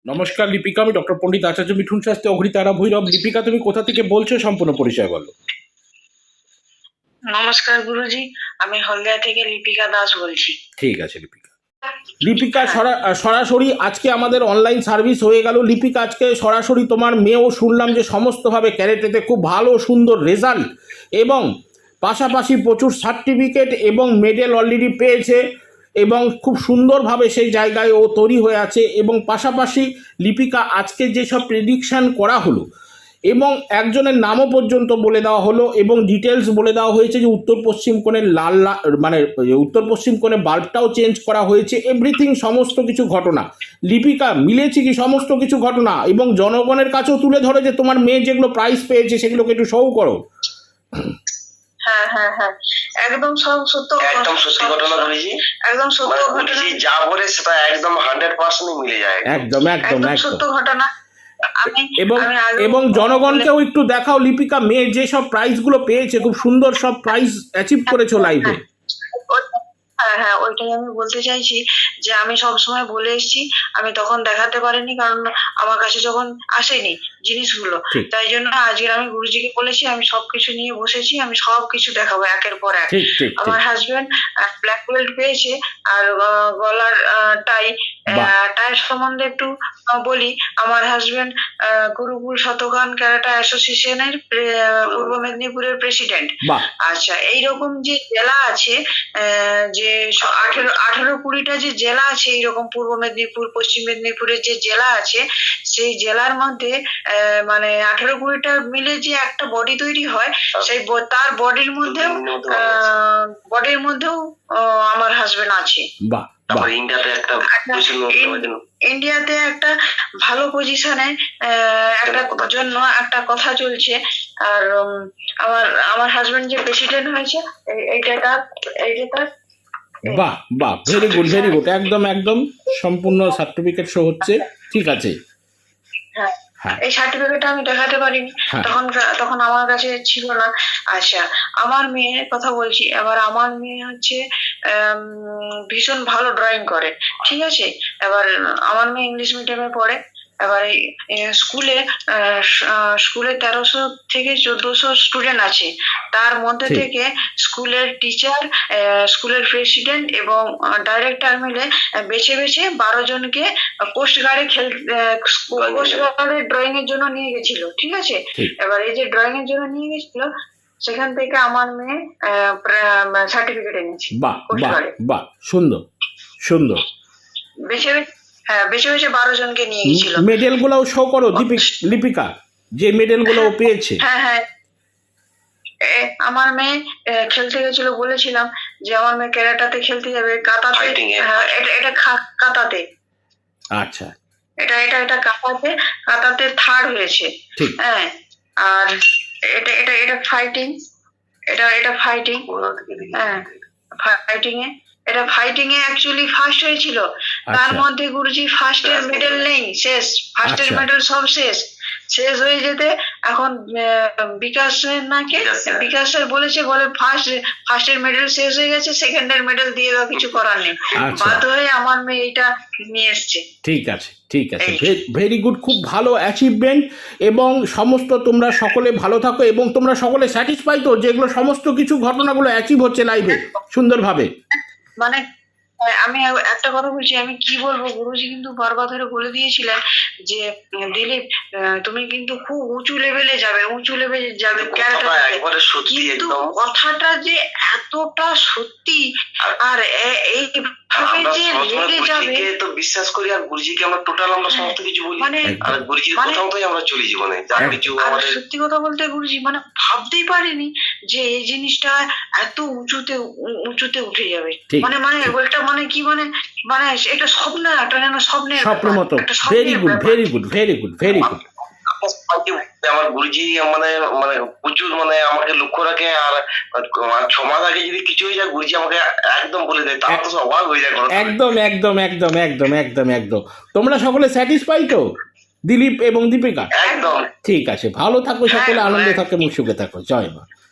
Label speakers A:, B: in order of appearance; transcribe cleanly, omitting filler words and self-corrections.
A: নমস্কার লিপিকা, আমি ডক্টর পণ্ডিত আচার্য মিঠুন শাস্ত্রী, অঘ্রিতারা ভৈরব। লিপিকা, তুমি কোথা থেকে বলছো, সম্পূর্ণ পরিচয় বলো।
B: নমস্কার গুরুজি, আমি হলদিয়া থেকে লিপিকা দাস বলছি।
A: ঠিক আছে লিপিকা। লিপিকা সরাসরি আজকে আমাদের অনলাইন সার্ভিস হয়ে গেল। লিপিকা, আজকে সরাসরি তোমার মেয়েও শুনলাম যে সমস্তভাবে ক্যারেটেতে খুব ভালো সুন্দর রেজাল্ট এবং পাশাপাশি প্রচুর সার্টিফিকেট এবং মেডেল অলরেডি পেয়েছে এবং খুব সুন্দরভাবে সেই জায়গায় ও তৈরি হয়ে আছে। এবং পাশাপাশি লিপিকা, আজকে যেসব প্রেডিকশান করা হলো এবং একজনের নামও পর্যন্ত বলে দেওয়া হলো এবং ডিটেলস বলে দেওয়া হয়েছে যে উত্তর পশ্চিম কোণের মানে উত্তর পশ্চিম কোণে বাল্বটাও চেঞ্জ করা হয়েছে, এভরিথিং সমস্ত কিছু ঘটনা। লিপিকা, মিলেছে কি সমস্ত কিছু ঘটনা? এবং জনগণের কাছেও তুলে ধরো যে তোমার মেয়ে যেগুলো প্রাইজ পেয়েছে সেগুলোকে একটু শো করো।
B: হ্যাঁ হ্যাঁ হ্যাঁ, একদম সব সত্য,
C: একদম সত্যি ঘটনা বলেছি,
B: একদম সত্য ঘটনা,
C: যা বলে সেটা একদম 100% মিলে যায়।
A: একদম একদম
B: একদম
A: একদম
B: সত্য ঘটনা।
A: এবং জনগণকেও একটু দেখাও লিপিকা, মেয়ে যে সব প্রাইজগুলো পেয়েছে, খুব সুন্দর সব প্রাইজ অ্যাচিভ করেছো লাইভে।
B: হ্যাঁ হ্যাঁ, ওইটাই আমি বলতে চাইছি যে আমি সব সময় বলে এসেছি, আমি তখন দেখাতে পারিনি কারণ আমার কাছে যখন আসেনি জিনিসগুলো, তাই জন্য আজকে আমি গুরুজিকে বলেছি আমি সবকিছু নিয়ে বসেছি, আমি সবকিছু দেখাবো একের পর এক। আমার হাজবেন্ড ব্ল্যাক বেল্ট পেয়েছে আর গলার টাই সম্বন্ধে একটু বলি। আমার হাজবেন্ড গুরুকুল শতকান ক্যারাটা অ্যাসোসিয়েশনের পূর্ব মেদিনীপুরের প্রেসিডেন্ট। আচ্ছা, এইরকম যে জেলা আছে, যে 18-20টা যে জেলা আছে এইরকম পূর্ব মেদিনীপুর পশ্চিম মেদিনীপুরের যে জেলা আছে, সেই জেলার মধ্যে মানে 18-20টা মিলে যে একটা বডি তৈরি হয়, সেই তার বডির মধ্যেও আমার হাজবেন্ড আছে। ইন্ডিয়াতে একটা ভালো পজিশনে একটা জন্য একটা কথা চলছে। আর আমার হাজবেন্ড যে প্রেসিডেন্ট হয়েছে, এইটা তার।
A: বাহ বাহ, ভেরি গুড ভেরি গুড, একদম একদম সম্পূর্ণ সার্টিফিকেট শো হচ্ছে। ঠিক আছে,
B: এই সার্টিফিকেটটা আমি দেখাতে পারিনি, তখন আমার কাছে ছিল না। আচ্ছা, আমার মেয়ের কথা বলছি এবার। আমার মেয়ে হচ্ছে ভীষণ ভালো ড্রয়িং করে, ঠিক আছে। এবার আমার মেয়ে ইংলিশ মিডিয়ামে পড়ে। এবার স্কুলে 1300 থেকে 1400 স্টুডেন্ট আছে, তার মধ্যে থেকে স্কুলের টিচার, স্কুলের প্রেসিডেন্ট এবং ডাইরেক্টর মিলে বেছে 12 জনকে কোস্ট গার্ডে ড্রয়িং এর জন্য নিয়ে গেছিল, ঠিক আছে। এবার এই যে ড্রয়িং এর জন্য নিয়ে গেছিল, সেখান থেকে আমার মেয়ে সার্টিফিকেট এনেছে।
A: বাহ বাহ বাহ, সুন্দর সুন্দর।
B: বেছে 12 জনকে নিয়ে গেছিল।
A: মেডেল গুলো শো করো লিপিকা, যে মেডেল গুলো পেয়েছে।
B: হ্যাঁ হ্যাঁ, আমার মেয়ে খেলতে গেছিল, বলেছিলাম যে আমার মেয়ে ক্যারাটাতে খেলতে যাবে, কাতাতে। এটা কাতাতে।
A: আচ্ছা,
B: এটা কাতাতে থার্ড হয়েছে। হ্যাঁ, আর এটা ফাইটিং, এটা ফাইটিং। হ্যাঁ, ফাইটিং এ অ্যাকচুয়ালি ফার্স্ট হয়েছিল। তার মধ্যে গুরুজি ফার্স্টের মেডেল নেই, শেষ। ফার্স্টের মেডেল সব শেষ হয়ে যেতে এখন বিকাশের বলেছে, বলে ফার্স্টের মেডেল শেষ হয়ে গেছে, সেকেন্ডের মেডেল দিয়ে দাও, কিছু করার নেই। বাধ্য হয়ে আমার মেয়ে এইটা নিয়ে এসছে।
A: ঠিক আছে ঠিক আছে, ভেরি গুড, খুব ভালো অ্যাচিভমেন্ট। এবং সমস্ত তোমরা সকলে ভালো থাকো এবং তোমরা সকলে স্যাটিসফাই তো যেগুলো সমস্ত কিছু ঘটনাগুলো অ্যাচিভ হচ্ছে লাইভে সুন্দরভাবে।
B: মানে আমি একটা কথা বলছি, আমি কি বলবো, গুরুজি কিন্তু বারবার ধরে বলে দিয়েছিলেন যে দিলীপ, তুমি কিন্তু খুব উঁচু লেভেলে যাবে কিন্তু কথাটা যে এতটা সত্যি আর এইভাবে যে লেগে যাবে,
C: তো বিশ্বাস করি। আর গুরুজিকে আমরা টোটাল আমরা সমস্ত কিছু বলি, আর গুরুজির কথাই আমরা চলি জীবনে, যা কিছু আমাদের।
B: সত্যি কথা বলতে গুরুজি, মানে ভাবতেই পারিনি যে এই জিনিসটা এত উঁচুতে উঠে যাবে। মানে ওইটা মানে কি, মানে এটা স্বপ্ন, একটা যেন স্বপ্নের
A: মতো। Very good very good very good very good.
C: আমার গুরুজি মানে প্রচুর আমাকে লক্ষ্য রাখে। আর 6 মাস আগে যদি কিছু হয়ে যায়, গুরুজি আমাকে একদম বলে দেয়, তার তো অবাক হয়ে যায়।
A: একদম একদম একদম একদম একদম একদম। তোমরা সকলে স্যাটিসফাই তো দিলীপ এবং দীপিকা?
C: একদম।
A: ঠিক আছে, ভালো থাকো সকলে, আনন্দে থাকো এবং সুখে থাকো। জয় মা।